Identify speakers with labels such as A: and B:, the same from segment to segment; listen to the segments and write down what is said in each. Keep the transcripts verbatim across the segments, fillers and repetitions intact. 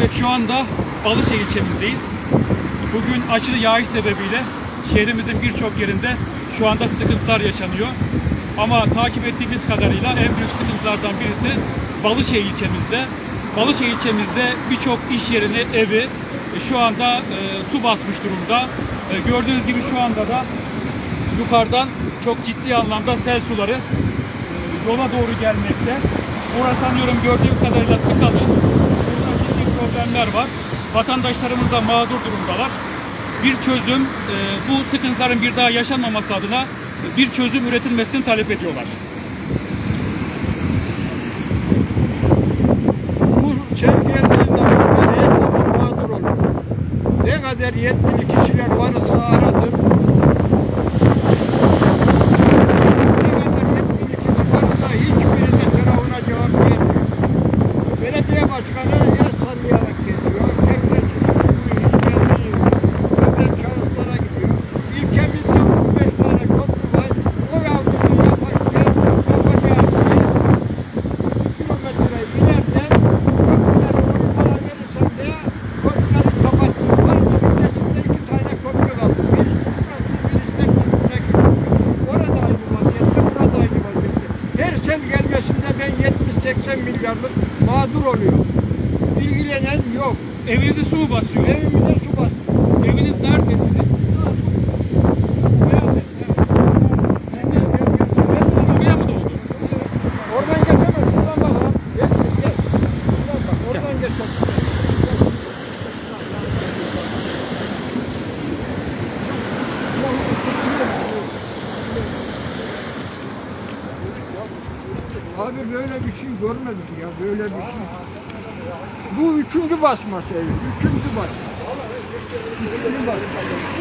A: Evet, şu anda Balışehir ilçemizdeyiz. Bugün aşırı yağış sebebiyle şehrimizin birçok yerinde şu anda sıkıntılar yaşanıyor. Ama takip ettiğimiz kadarıyla en büyük sıkıntılardan birisi Balışehir ilçemizde. Balışehir ilçemizde birçok iş yerini, evi şu anda e, su basmış durumda. E, gördüğünüz gibi şu anda da yukarıdan çok ciddi anlamda sel suları e, yola doğru gelmekte. Orası sanıyorum gördüğüm kadarıyla tıkalı. Burada ciddi problemler var. Vatandaşlarımız da mağdur durumdalar. Bir çözüm, e, bu sıkıntıların bir daha yaşanmaması adına bir çözüm üretilmesini talep ediyorlar.
B: Bu sel geldiğinde ben her zaman mağdur olurum. Ne kadar yetkili kişiler varsa aradım. Ne kadar yetkili kişi varsa hiçbirinin telefona cevap vermiyor. Belediye başkanı el sallayarak geçiyor. Devlet hiçbir gelmiyor. Devlet şahıslara gidiyor. İlçemizde on beş tane köprü var. O yavruyu yaparken yapacağı kilometre ileride köprüleri onu bana verirsen de köprüleri kapatıyor. Barış'ın ilçesinde iki tane köprü kaldı. Birisi burası, birisi de Kürt'e orada aynı vaziyette, burada aynı vaziyette. Her sel gelmesinde ben yetmiş seksen milyarlık mağdur oluyor. İlgilenen yok.
A: Evinizi su mu basıyor?
B: Evimize su basıyor.
A: Eviniz nerede sizin? Buraya mı doldu?
B: Oradan geçemez. Şuradan bak ha. Gel, gel. Şuradan bak. Oradan geçemez. Abi böyle bir şey görmedim ya. Böyle bir şey. Bu üçüncü basması evi. Üçüncü basma. Üçüncü basma.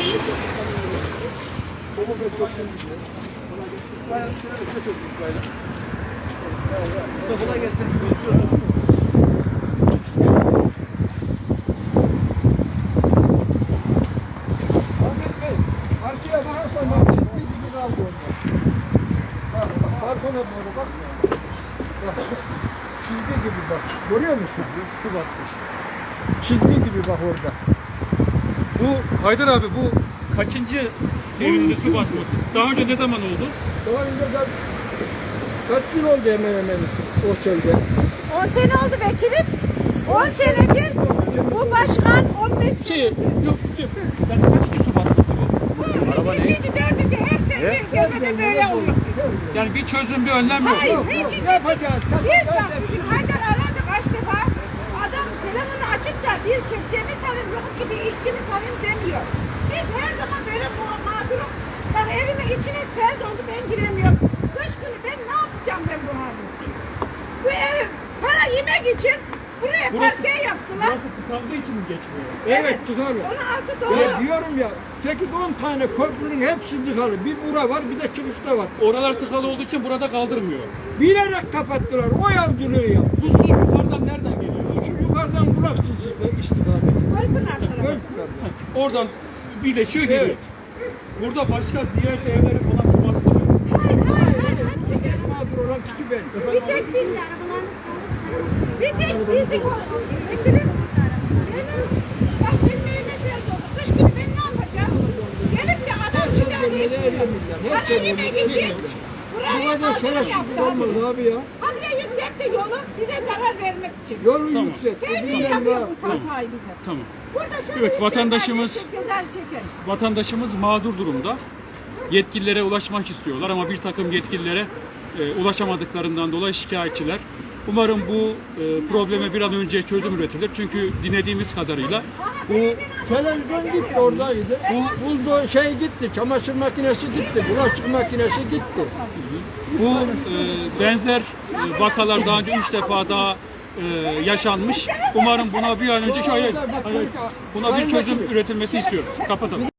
C: Kolay gelsin.
B: Ahmet Bey, arkaya bakarsan bak çizgi gibi kaldı orada. Bak, bak, balkona doğru bak. Bak, çizgi gibi bak. Görüyor musun? Su basmış. Çizgi gibi bak orada.
A: Bu Haydar abi, bu kaçıncı evinize su basması? Daha önce ne zaman oldu?
B: Daha önce de kaç yıl oldu hemen hemen o çölde.
D: on sene oldu vekilim. on senedir bu başkan on beş
A: Şey, yok, şey, ben kaçıncı su basması bu? Araba ne?
D: üçüncü, dördüncü her sene devlete böyle oluyor.
A: Yani bir çözüm, bir önlem yok.
D: Hayır,
B: Yok,
D: hiç
B: yok,
D: hiç hiç.
B: yapacağız,
D: Biz
B: yapacağız
D: bak,
B: hepsini.
D: Haydar aradı kaç defa. Adam telefonu açıp da bir Türkçemi salayım, yok gibi işçini salayım demiyor. Biz her zaman böyle ma- mağdurum. Bak evimin içine sel doldu, ben giremiyorum. Kış günü ben ne yapacağım ben bu halde? Bu ev para yemek için buraya
A: Burası-
D: parke yaptılar.
A: Burası tıkandığı için mi geçmiyor?
B: Evet tıkalı.
D: Onun altı
B: Ya
D: dolu.
B: diyorum ya sekiz on tane köprünün hepsi tıkalı. Bir bura var bir de çıkışta var.
A: Oralar tıkalı olduğu için burada kaldırmıyor.
B: Bilerek kapattılar. O yavcılığı yap.
A: Bu su yukarıdan nereden geliyor?
B: Şu yukarıdan bulaksız istikameti.
D: Koypınar tarafı.
B: Gölpınar'dan.
A: Oradan birleşiyor geliyor.
B: Evet.
A: Burada başka diğer evlere falan su bastırıyor.
D: Hayır, hayır, hayır.
B: Mağdur olan kişi ben.
D: Bir tek biz Bir tek biz Vekilim. Benim, bak benim evime sel doldu. Kış günü ben ne yapacağım? Gelip de adam silahını etmiyor. Bana yemek için
B: Bu
D: buraya
B: kadar
D: kaldırım
B: şerefsizlik
D: yaptı.
B: olmaz abi ya.
D: Habire yükseltti yolu bize zarar vermek için.
B: Yolu
A: Tamam.
B: yüksek.
D: Her
B: Bu
D: şey
B: bilmem
D: yapıyor
B: ne.
D: bu hatayı bize.
A: Tamam.
D: Burada şöyle
A: Evet,
D: üç
A: vatandaşımız-
D: defa ceza çeker.
A: Vatandaşımız mağdur durumda. Yetkililere ulaşmak istiyorlar ama bir takım yetkililere e, ulaşamadıklarından dolayı şikayetçiler. Umarım bu e, probleme bir an önce çözüm üretilir. Çünkü dinlediğimiz kadarıyla bu
B: Televizyon gitti oradaydı. Bu buldo şey gitti. Çamaşır makinesi gitti. Bulaşık makinesi gitti.
A: bu e, benzer e, vakalar daha önce üç defa daha e, yaşanmış. Umarım buna bir an önce şöyle buna bir çözüm üretilmesi istiyoruz. Kapatalım.